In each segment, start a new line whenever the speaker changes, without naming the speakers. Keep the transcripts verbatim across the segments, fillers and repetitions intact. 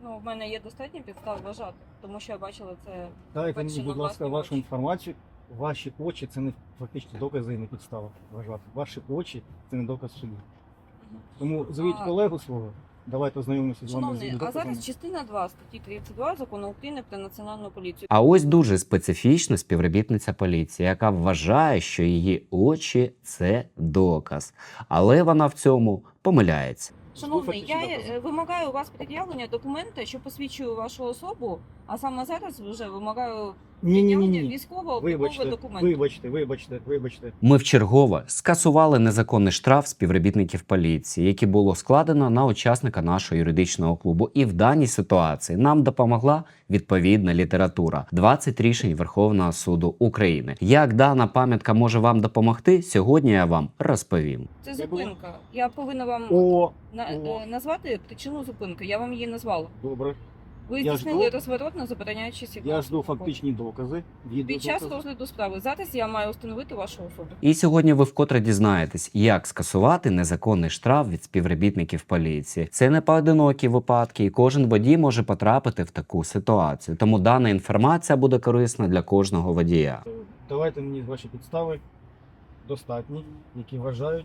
Ну, в мене є достатньо підстав вважати, тому що я бачила це.
Дайте мені,
Перші
будь
на
ласка,
власні
вашу
очі.
інформацію. Ваші очі це не фактично докази і не підстава вважати. Ваші очі це не доказ в суді.
Мгм.
Тому звіть
А-
колегу свого, давайте ознайомимося з вами з
Шановний, а
доказами.
зараз частина два статті тридцять два Закону України про національну поліцію.
А ось дуже специфічна співробітниця поліції, яка вважає, що її очі це доказ. Але вона в цьому помиляється.
Шановний, я
Фактично докази.
е, вимагаю у вас пред'явлення документа, що посвідчує вашу особу, а саме зараз вже вимагаю
Ні, ні, ні,
пред'явлення
ні.
військово-облікового
Вибачте,
документу.
вибачте, вибачте, вибачте.
Ми вчергове скасували незаконний штраф співробітників поліції, який було складено на учасника нашого юридичного клубу. І в даній ситуації нам допомогла відповідна література. двадцять рішень Верховного суду України. Як дана пам'ятка може вам допомогти, сьогодні я вам розповім.
Це
Я був-
зупинка. Я повинна вам
О,
на,
о.
е, назвати причину зупинки. Я вам її назвала.
добре.
Ви
Я
здійснили
жду-
розворот на забороняючі сигнал.
Я жду фактичні докази.
Під час
Відеодокази.
розгляду справи. Зараз я маю встановити вашу особу.
І сьогодні ви вкотре дізнаєтесь, як скасувати незаконний штраф від співробітників поліції. Це не поодинокі випадки, і кожен водій може потрапити в таку ситуацію. Тому дана інформація буде корисна для кожного водія.
Давайте мені ваші підстави достатні, які вважають,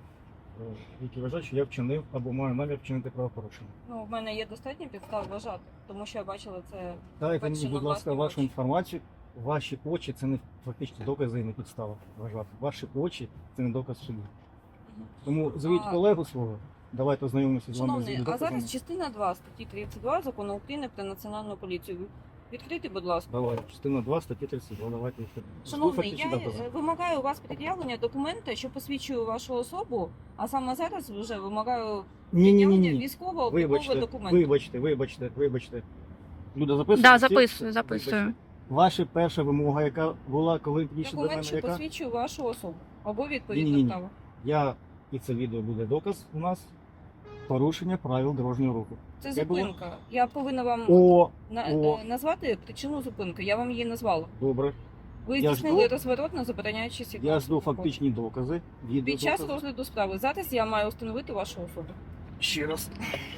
е, які вважають, що я вчинив або маю намір вчинити правопорушення.
Ну, в мене є достатньо підстав вважати, тому що я бачила це.
Дайте
Перші
мені,
на
будь ласка,
власні
вашу
очі.
інформацію. Ваші очі це не фактично докази і не підстава вважати. Ваші очі це не доказ в суді.
Мгм.
Тому звіть
А-
колегу свого. Давайте ознайомимося з вами з
Шановний, а
доказами.
зараз частина два статті тридцять два Закону України про національну поліцію. Відкрийте, будь ласка.
Давай, частина два, статті тридцять два, давайте. Жду
Шановний,
фактичні
я
докази.
е, вимагаю у вас пред'явлення документа, що посвідчує вашу особу, а саме зараз вже вимагаю
Ні, ні, ні,
пред'явлення
ні.
військово-облікового
Вибачте,
документу.
вибачте, вибачте, вибачте. Люда, записує?
Да, записую, записую.
Ваша перша вимога, яка була, коли підійшли до мене,
Документ, що
яка?
посвідчує вашу особу. Або відповідно
Ні-ні-ні.
право.
Я, і це відео буде доказ у нас, порушення правил дорожнього руху.
Це
Це було?
зупинка. Я повинна вам
О,
на,
о.
е, назвати причину зупинки. Я вам її назвала.
добре.
Ви
Я
здійснили
жду-
розворот на забороняючі сигнал.
Я жду фактичні докази.
Під час
Відеодокази.
розгляду справи. Зараз я маю встановити вашу особу.
Ще раз.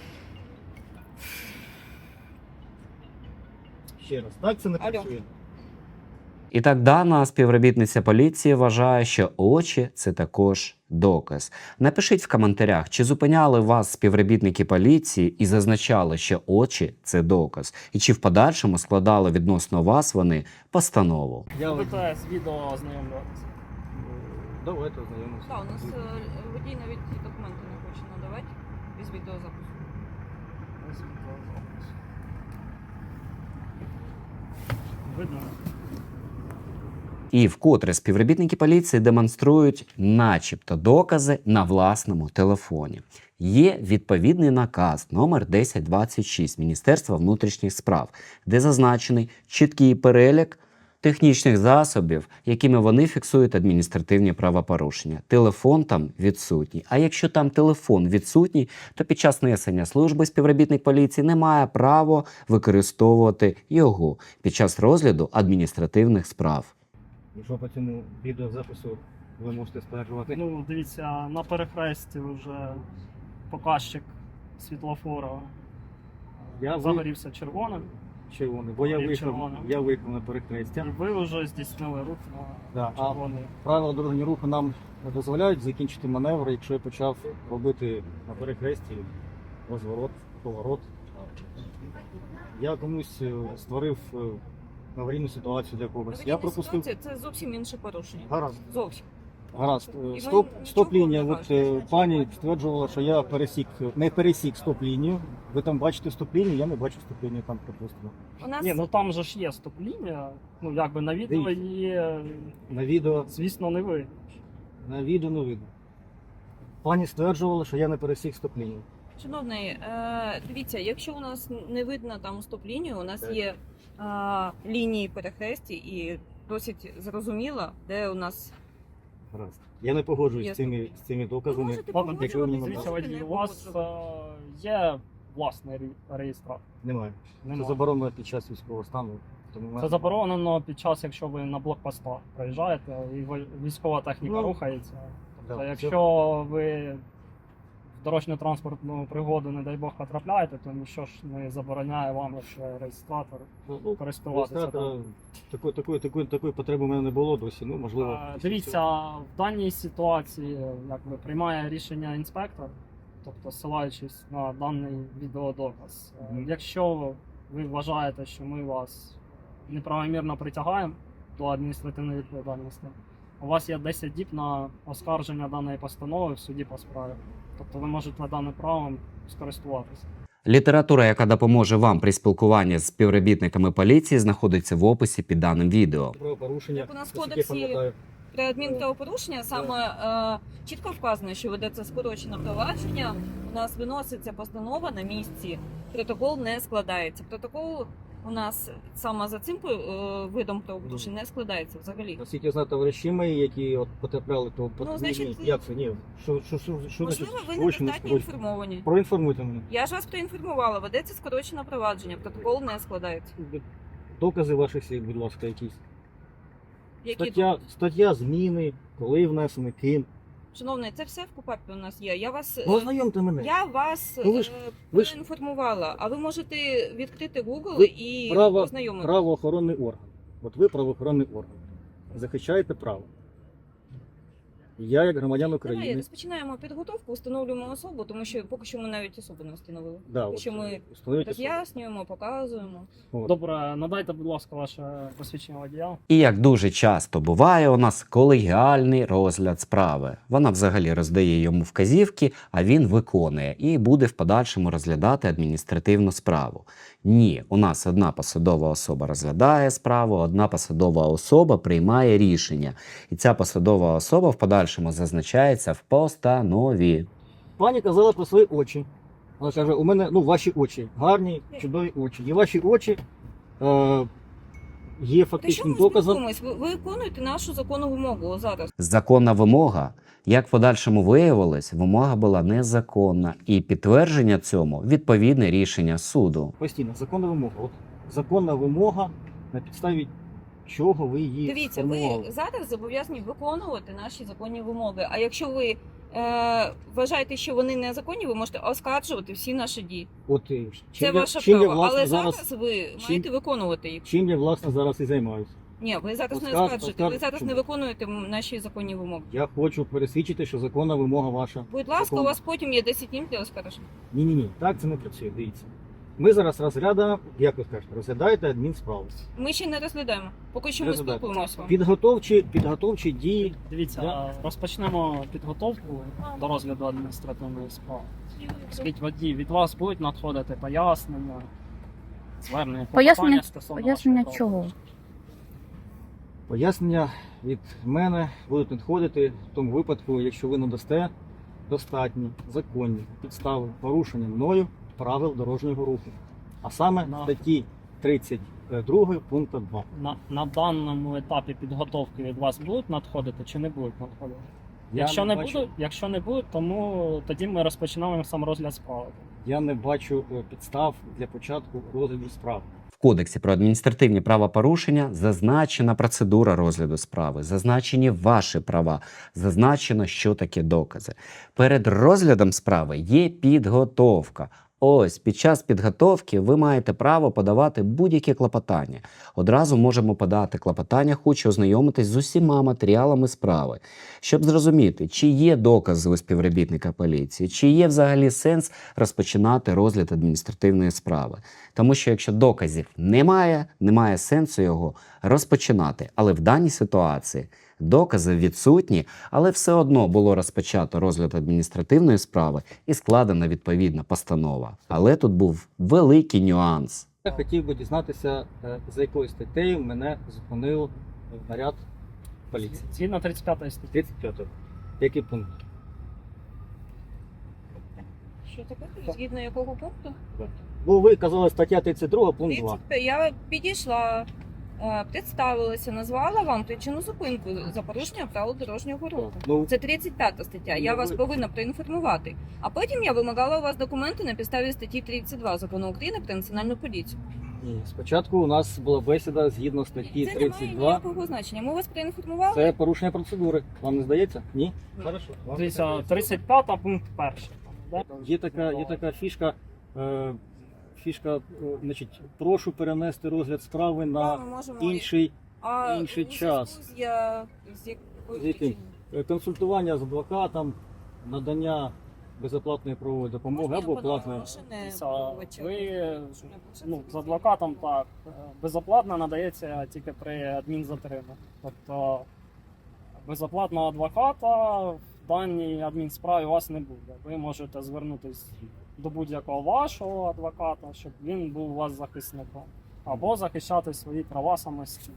Ще раз. Так це не
Алло.
працює.
І так дана співробітниця поліції вважає, що очі – це також доказ. Напишіть в коментарях, чи зупиняли вас співробітники поліції і зазначали, що очі – це доказ, і чи в подальшому складали відносно вас вони постанову.
Я ось-
БТС відео ознайомлюватися.
Давайте ознайомимося.
Так, у нас е, водій навіть ці документи не хоче надавати без відеозапису.
Ось відеозапис. Видно?
І вкотре співробітники поліції демонструють начебто докази на власному телефоні. Є відповідний наказ номер десять двадцять шість Міністерства внутрішніх справ, де зазначений чіткий перелік технічних засобів, якими вони фіксують адміністративні правопорушення. Телефон там відсутній. А якщо там телефон відсутній, то під час несення служби співробітник поліції не має права використовувати його під час розгляду адміністративних справ.
Якщо по цьому відеозапису ви можете стверджувати.
Ну, дивіться, на перехресті вже показчик світлофора
Я ви-
загорівся червоним,
червоний, бо я
І
виїхав,
червоне.
я виїхав на перехрестя.
і ви вже здійснили рух
Да,
на
а
червоний.
правила дорожнього руху нам не дозволяють закінчити маневр, якщо я почав робити на перехресті розворот, поворот. Я комусь е, створив е, аварійну ситуацію для когось. Я
Аварійна
пропустив.
ситуація – це зовсім інше порушення.
Гаразд,
Зовсім.
гаразд.
І
Е,
ви
Стоп,
нічого
стоп лінія.
не
От
кажете.
е, пані стверджувала, що я пересік, не пересік стоп лінію. Ви там бачите стоп лінію, я не бачу стоп лінію там припустимо.
У нас
Ні, ну там же ж є стоп-лінія, ну якби на відео
Дивіться.
її,
На відео,
звісно, не ви.
на відео не видно. Пані стверджувала, що я не пересік стоп лінію.
Шановний, е, дивіться, якщо у нас не видно там стоп-лінію, у нас
Так.
є е, лінії перехресті і досить зрозуміло, де у нас
Гаразд. Я не погоджуюсь
Є
з цими, з цими доказами.
можете
Ладно,
якщо ви мені
Дивіться,
можете
водій,
не
у вас
погоджуватися.
е, є власний ре- реєстратор.
Немає. Це
Немає.
заборонено під час військового стану. Тому ми-
Це заборонено під час, якщо ви на блокпостах приїжджаєте і ви- військова техніка
Ну,
рухається. Тобто,
да,
якщо ви в дорожньо-транспортну пригоду, не дай Бог, потрапляєте, то ніщо ж не забороняє вам, якщо реєстратор,
Ну,
користуватися.
реєстратора
там.
такої, такої, такої, такої потреби в мене не було досі. Ну, можливо,
Е,
після
Дивіться,
цього.
в даній ситуації якби, приймає рішення інспектор, тобто ссилаючись на даний відеодоказ. Е,
Мгм.
Якщо ви вважаєте, що ми вас неправомірно притягаємо до адміністративної відповідальності, у вас є десять діб на оскарження даної постанови в суді по справі. Тобто ви можете даним правом скористуватися.
Література, яка допоможе вам при спілкуванні з співробітниками поліції, знаходиться в описі під даним відео.
Правопорушення,
Як у нас в
наскільки я
кодексі
пам'ятаю.
При адмінправопорушення саме е, чітко вказано, що ведеться скорочене провадження. У нас виноситься постанова на місці. Протокол не складається. Протокол у нас саме за цим е, видом правопорушень не складається взагалі.
Наскільки я знаю, товариші мої, які от потрапляли, то
Ну, значить,
ні, як це? Ні, що, що, що, що
Можливо, ви
скорочено,
недостатньо
скорочено?
інформовані.
Проінформуйте мене.
Я ж вас проінформувала, ведеться скорочене провадження, протокол не складається.
Докази ваших слів, будь ласка, якісь.
Які
Стаття, стаття зміни, коли внесений, ким.
Шановний, це все в КУПАПі у нас є. Я вас
Ну,
е,
ознайомте мене.
я вас
Ну, ви ж-
е,
ви ж-
проінформувала, а ви можете відкрити Google
Ви
і
право-
ознайомитися.
Правоохоронний орган. От ви правоохоронний орган. Захищаєте право. Я, як громадян
Давай
України,
розпочинаємо підготовку, встановлюємо особу, тому що поки що ми навіть особу не встановили.
да,
Поки
от,
що ми
встановіть особу.
роз'яснюємо, показуємо.
От.
Добре, надайте, будь ласка, ваше посвідчення водія.
І як дуже часто буває, у нас колегіальний розгляд справи. Вона взагалі роздає йому вказівки, а він виконує і буде в подальшому розглядати адміністративну справу. Ні, у нас одна посадова особа розглядає справу, одна посадова особа приймає рішення. І ця посадова особа в подальшому зазначається в постанові.
Пані казала про свої очі. Вона каже, у мене ну, ваші очі, гарні, чудові очі. І ваші очі е, є
Та що
фактичним
ми
доказом.
спілкуємось? Ви, ви виконуєте нашу законну вимогу зараз.
Законна вимога, як в подальшому виявилось, вимога була незаконна. І підтвердження цьому – відповідне рішення суду.
Постійно, законна вимога. От, законна вимога, на підставі чого ви її
Дивіться,
сформували.
ви зараз зобов'язані виконувати наші законні вимоги. А якщо ви е, вважаєте, що вони незаконні, ви можете оскаржувати всі наші дії.
От, е,
Це
чим я-
ваше
чим я,
право.
власне,
Але
зараз,
зараз ви
чим-
маєте виконувати їх.
чим я, власне, зараз і займаюся.
Ні, ви зараз не
Оскар-
оскаржуєте, ви
оскар-
зараз
чому?
не виконуєте наші законні вимоги.
Я хочу пересвідчити, що законна вимога ваша.
Будь ласка,
Закон.
у вас потім є десять днів для оскарження.
Ні-ні-ні, так це не працює, дивіться. Ми зараз розглядаємо, як ви скажете, розглядаєте адмінсправу.
Ми ще не розглядаємо. Поки що ми
Розглядаємо.
спілкуємося.
Підготовчі, підготовчі дії.
Дивіться,
Я-
розпочнемо підготовку до розгляду адміністративної справи. Скажіть, водій, від вас будуть надходити пояснення, звернення,
Пояснення-
клопотання стосовно
Пояснення
вашого
чого?
правопорушення?
Пояснення від мене будуть надходити в тому випадку, якщо ви надасте достатні законні підстави порушення мною правил дорожнього руху. А саме
На-
статті тридцять два пункту два.
На, на даному етапі підготовки від вас будуть надходити чи не будуть надходити?
Я
Якщо не,
бачу,
будуть, якщо не будуть, тому тоді ми розпочинаємо сам розгляд справи.
я не бачу е, підстав для початку розгляду справи.
В Кодексі про адміністративні правопорушення зазначена процедура розгляду справи, зазначені ваші права, зазначено, що таке докази. Перед розглядом справи є підготовка. Ось, під час підготовки ви маєте право подавати будь-які клопотання. Одразу можемо подати клопотання, хочу ознайомитись з усіма матеріалами справи, щоб зрозуміти, чи є докази у співробітника поліції, чи є взагалі сенс розпочинати розгляд адміністративної справи. Тому що якщо доказів немає, немає сенсу його розпочинати. Але в даній ситуації докази відсутні, але все одно було розпочато розгляд адміністративної справи і складена відповідна постанова. Але тут був великий нюанс.
Я хотів би дізнатися, е, за якою статтею мене зупинив наряд поліції.
Згідно тридцять п'ятої статті.
тридцять п'ятий. Який пункт?
Що таке? Згідно якого пункту?
Бо ви казали стаття тридцять два, пункт два.
тридцять п'ять. Я підійшла, е, представилася, назвала вам причину зупинку за порушення правил дорожнього руху.
Ну,
Це тридцять п'ята стаття. Я
Ну,
вас
ви-
повинна проінформувати. А потім я вимагала у вас документи на підставі статті тридцять два Закону України про національну поліцію.
ні. Спочатку у нас була бесіда згідно статті
Це не
тридцять
має
два.
ніякого значення. Ми вас проінформували.
Це порушення процедури. Вам не здається? Ні? Хорошо. Вам
Дивіться,
не здається.
тридцять п'ята пункт перший. Да?
Є така, є така фішка, е, фішка, е, значить, прошу перенести розгляд справи
Да,
на
ми можемо
інший
а
інший
у зв'язку
час.
З, я, з якою
З яким?
причиною?
е, консультування з адвокатом, надання безоплатної правової допомоги
Можна
або
я подам
платної.
машини
Дивіться,
обвинувачення?
ви
Щоб не було
ну, з
це
адвокатом так е, безоплатно надається тільки при адмінзатримі. Тобто безоплатного адвоката в даній адмінсправі у вас не буде. Ви можете звернутися до будь-якого вашого адвоката, щоб він був у вас захисником, або захищати свої права самостійно.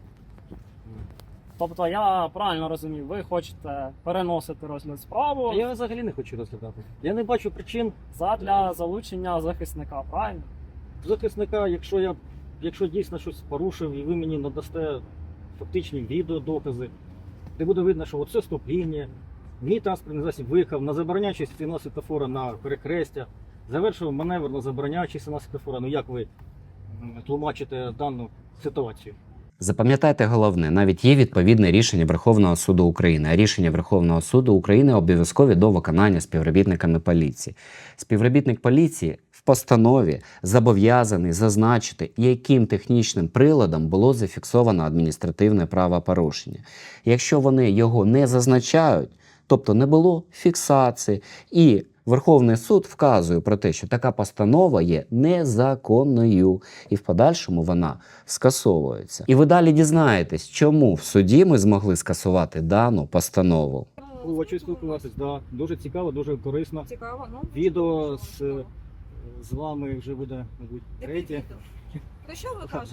Тобто я правильно розумію, ви хочете переносити розгляд справи
Я взагалі не хочу розглядати. Я не бачу причин
задля залучення захисника, правильно?
захисника, якщо я якщо дійсно щось порушив і ви мені надасте фактичні відеодокази, де буде видно, що оце стоп-лінія, мій транспортний засіб виїхав на забороняючий сигнал світлофора на перехрестя, завершив маневр на забороняючий сигнал світлофора. Ну як ви м, тлумачите дану ситуацію?
Запам'ятайте головне, навіть є відповідне рішення Верховного суду України, а рішення Верховного суду України обов'язкові до виконання співробітниками поліції. Співробітник поліції в постанові зобов'язаний зазначити, яким технічним приладом було зафіксовано адміністративне правопорушення. Якщо вони його не зазначають, тобто не було фіксації, і Верховний суд вказує про те, що така постанова є незаконною, і в подальшому вона скасовується. І ви далі дізнаєтесь, чому в суді ми змогли скасувати дану постанову.
Хочу спілкуватись, да. Дуже цікаво, дуже корисно.
Цікаво, ну.
Відео з, з вами вже буде, мабуть,
Яке
третє.
відео? Про що ви кажете?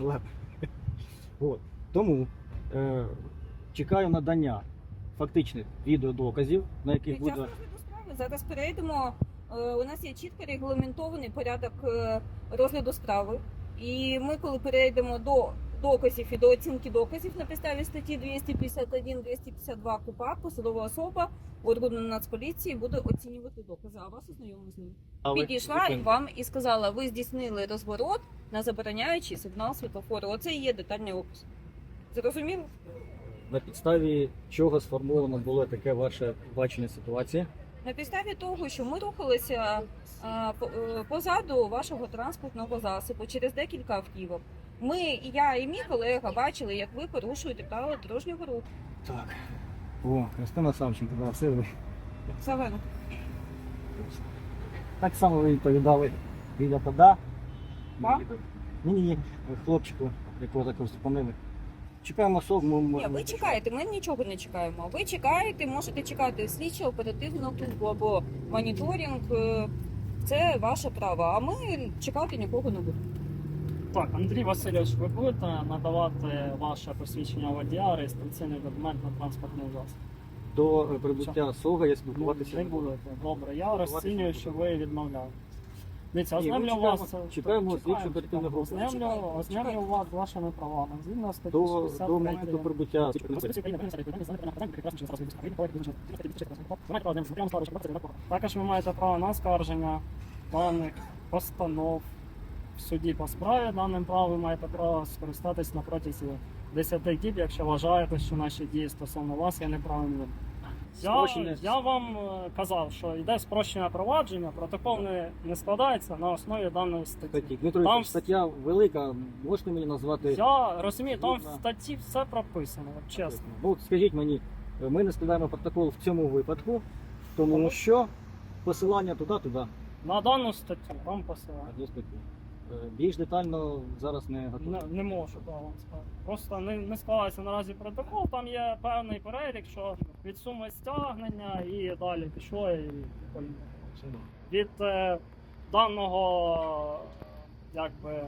От. Тому е, чекаю надання фактичних відеодоказів, на яких
Під час
буде.
розгляду справи зараз перейдемо. Е, У нас є чітко регламентований порядок е, розгляду справи. І ми, коли перейдемо до доказів і до оцінки доказів на підставі статті двісті п'ятдесят один двісті п'ятдесят два КУПАП, посадова особа органу Нацполіції буде оцінювати докази, а вас ознайомили з ними.
Але
Підійшла і вам і сказала, ви здійснили розворот на забороняючий сигнал світлофору. Оце і є детальний опис. Зрозуміло?
на підставі чого сформовано було таке ваше бачення ситуації.
На підставі того, що ми рухалися а, по- е, позаду вашого транспортного засобу через декілька автівок. Ми, і я, і мій колега бачили, як ви порушуєте правила дорожнього руху.
Так. О, Христина Савченко, да, це ви.
Савенко.
Так само ви відповідали біля пода.
Вам?
Ні, ні, ні, хлопчику, якого також зупинили. Чекаємо особу, ми
Ні,
можемо.
ви чекаєте, ми нічого не чекаємо. Ви чекаєте, можете чекати слідчо оперативну службу або моніторинг. е, Це ваше право, а ми чекати нікого не будемо.
Так, Андрій Васильович, ви будете надавати ваше посвідчення водія, реєстраційний документ на транспортний засіб?
До е, прибуття СОГа я
Ну,
спілкуватися
не будете. Добре, я розцінюю, що ви відмовляєте. Дивіться,
Ні, ми
ознайомлю
чекаємо-
вас.
чекаємо
Чекаємо,
слідчу оперативну групу.
Ознайомлю,
Чекаємо,
ознайомлю
чекаємо.
вас з вашими правами. Згідно статті
до,
шістдесят
до
три.
моменту прибуття.
Також ви маєте право на оскарження даних постанов в суді по справі. Даним правом ви маєте право скористатись на протязі десяти діб, якщо вважаєте, що наші дії стосовно вас є неправильними. Я,
Спрощене.
я вам е, казав, що йде спрощене провадження, протокол не, не складається на основі даної статті.
Статті. Дмитро,
Там-
там... стаття велика, можете мені назвати?
Я розумію, там в
Згідно.
статті все прописано, от чесно.
Ну, от скажіть мені, ми не складаємо протокол в цьому випадку, тому що посилання туди-туди.
На дану статтю там посилання.
Одну статтю. Е, Більш детально зараз не готові.
Не, не можу да, вам сказати. Просто не, не складається наразі протокол, там є певний перелік, що від суми стягнення і далі пішло і поїхало. Від е, даного якби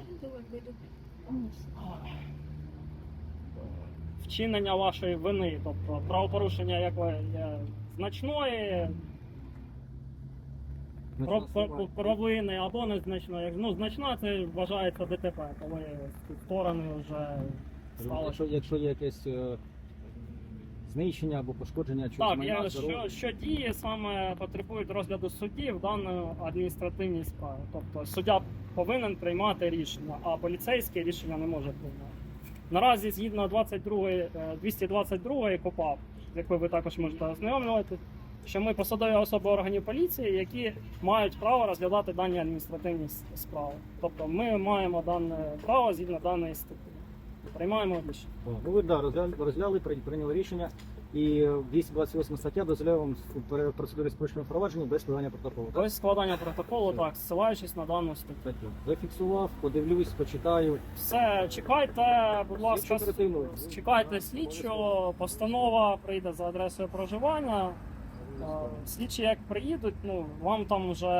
вчинення вашої вини, тобто правопорушення якої є значної, про, про, провини або незначної. Ну, значна це вважається ДТП, коли сторони вже стали.
Якщо, якщо є якесь е, знищення або пошкодження чогось
Так,
майна,
я,
здоров'я,
що, що дії саме потребують розгляду судді в даній адміністративній справі. Тобто суддя повинен приймати рішення, а поліцейське рішення не може приймати. Наразі згідно двадцять другої, е, двісті двадцять другої КУПАП, з якою ви також можете ознайомлювати, що ми посадові особи органів поліції, які мають право розглядати дані адміністративні с- справи. Тобто ми маємо дане право згідно даної статті. Приймаємо рішення.
Ну, ви да, розгляли, розгляли, прий- прийняли рішення. І двісті двадцять восьма стаття дозволяє вам в процедурі спрощеного провадження без складання протоколу. Так?
Тобто складання протоколу, так, ссилаючись на дану статтю.
Статтю. Зафіксував, подивлюсь, почитаю.
Все, чекайте, будь ласка,
Слідчу оперативну.
чекайте слідчого, постанова прийде за адресою проживання. Е, Слідчі як приїдуть, ну, вам там вже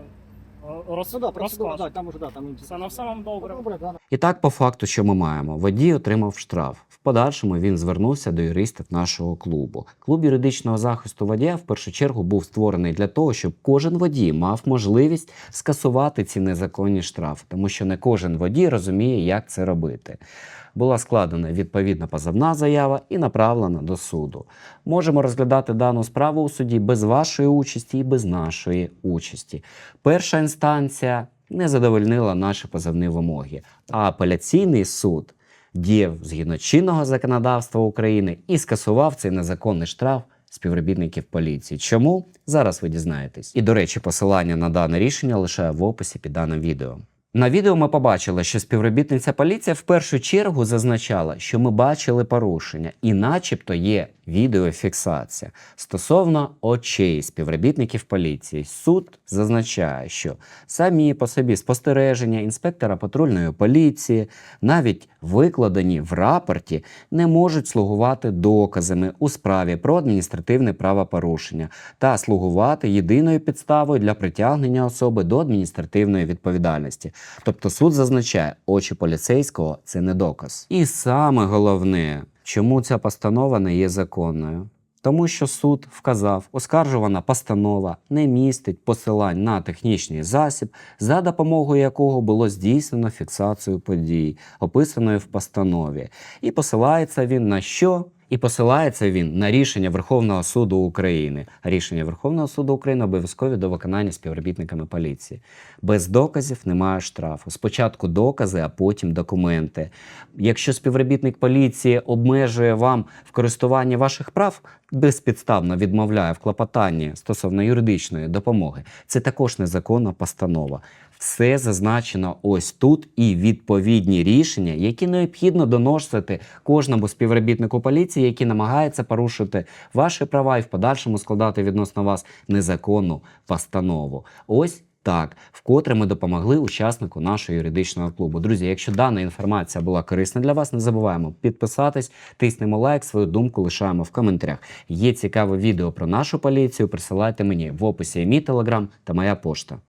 е, роз,
Ну да, процедура,
розкажуть.
да, там уже да, там
Все, на все вам добре.
Добре, да.
І так, по факту, що ми маємо? Водій отримав штраф. В подальшому він звернувся до юристів нашого клубу. Клуб юридичного захисту водія в першу чергу був створений для того, щоб кожен водій мав можливість скасувати ці незаконні штрафи, тому що не кожен водій розуміє, як це робити. Була складена відповідна позовна заява і направлена до суду. Можемо розглядати дану справу у суді без вашої участі і без нашої участі. Перша інстанція не задовольнила наші позовні вимоги, а апеляційний суд діяв згідно чинного законодавства України і скасував цей незаконний штраф співробітників поліції. Чому? Зараз ви дізнаєтесь. І, до речі, посилання на дане рішення лишаю в описі під даним відео. На відео ми побачили, що співробітниця поліції в першу чергу зазначала, що ми бачили порушення і начебто є відеофіксація. Стосовно очей співробітників поліції, суд зазначає, що самі по собі спостереження інспектора патрульної поліції, навіть викладені в рапорті, не можуть слугувати доказами у справі про адміністративне правопорушення та слугувати єдиною підставою для притягнення особи до адміністративної відповідальності. Тобто суд зазначає, очі поліцейського – це не доказ. І саме головне, чому ця постанова не є законною? Тому що суд вказав, оскаржувана постанова не містить посилань на технічний засіб, за допомогою якого було здійснено фіксацію подій, описаної в постанові. І посилається він на що? І посилається він на рішення Верховного суду України. Рішення Верховного суду України обов'язкові до виконання співробітниками поліції. Без доказів немає штрафу. Спочатку докази, а потім документи. Якщо співробітник поліції обмежує вам в користуванні ваших прав, безпідставно відмовляє в клопотанні стосовно юридичної допомоги, це також незаконна постанова. Все зазначено ось тут і відповідні рішення, які необхідно доносити кожному співробітнику поліції, який намагається порушити ваші права і в подальшому складати відносно вас незаконну постанову. Ось так, вкотре ми допомогли учаснику нашого юридичного клубу. Друзі, якщо дана інформація була корисна для вас, не забуваємо підписатись, тиснемо лайк, свою думку лишаємо в коментарях. Є цікаве відео про нашу поліцію, присилайте мені в описі мій телеграм та моя пошта.